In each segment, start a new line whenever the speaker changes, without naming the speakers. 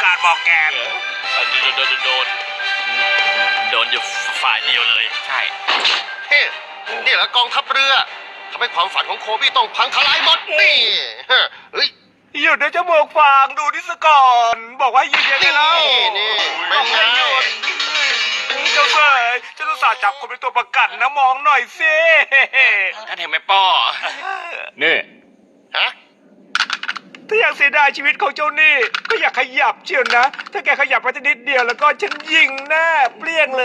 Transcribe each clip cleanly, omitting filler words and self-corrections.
าร์ดมอร์แกน
โดนอยู่ฝ่ายเดียวเลยใช่
เฮ้นี่แหละกองทัพเรือทำให้ความฝันของโคบี้ต้องพังทลายหมดนี่เฮ้ย
หยุดนะจมูกฟางดูนี่ซะก่อนบอกว่าหยุดยังไงเล่า
นี่
บ
เป็
อน ก
ไง
ให้หยุดเจ้าเสยเจ้าต้องสาจับคนเป็นตัวประกันนะมองหน่อยสิ
ท่านเห็นไหมป้อ
นี่
ฮะ
ถ้าอยากเสียดายชีวิตของเจ้านี่ก็อยากขยับเชียวนะ ถ้าแกขยับไปนิดเดียวแล้วก็ฉันยิงหน้าเปรี้ยงเลย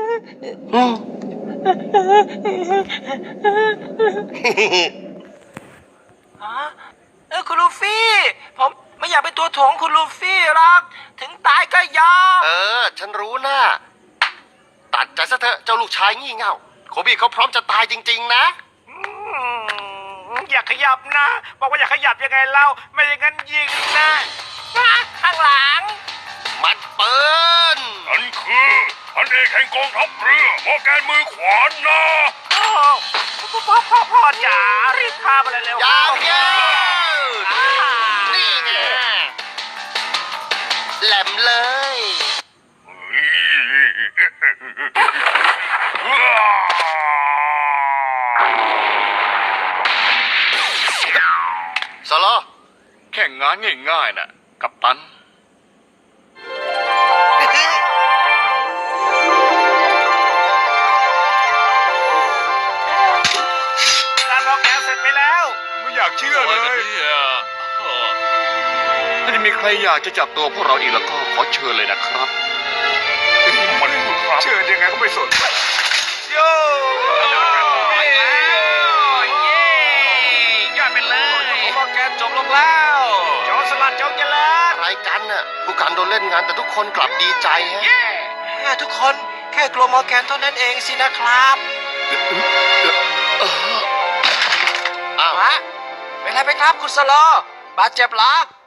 คุณลูฟี่ผมไม่อยากเป็นตัวถ่วงคุณลูฟี่หรอกถึงตายก็ยอม
ฉันรู้นะตัดใจซะเถอะเจ้าลูกชายงี่เง่าโคบี้เขาพร้อมจะตายจริงๆนะ
อยากขยับนะ บอกว่าอยากขยับยังไงเล่าไม่อย่างนั้นยิงนะ
ข้างหลัง
มัดปืน
ฉันคือพันเอกแห่งกองทัพเรือมอร์แกนมือขวานนะ
โอ้พ่อจ๋ารีบพามาเลยเร็วย
าวเย้นี่ไงแหลมเลย โซโล
แค่งานง่ายๆน่ะกัปตัน
การมอร์แกนเสร็จไปแล้ว
ไม่อยากเชื่อเลย ถ้าจะมีใครอยากจะจับตัวพวกเราอีกแล้วก็ขอเชิญเลยนะครับ มันครับ
เชิญยังไงก็ไม่สนโย่
ยอดไปเลย
มอร์แกนจบลงแล้ว
จอสลัดจงเจริญ
อะไรกันน่ะผู้การโดนเล่นงานแต่ทุกคนกลับดีใจฮะ
ทุกคนแค่กลัวมอร์แกนเท่านั้นเองสินะครับ
อ้าว
ฮะเป็นไรไปครับคุณสโลบาดเจ็บเหรอ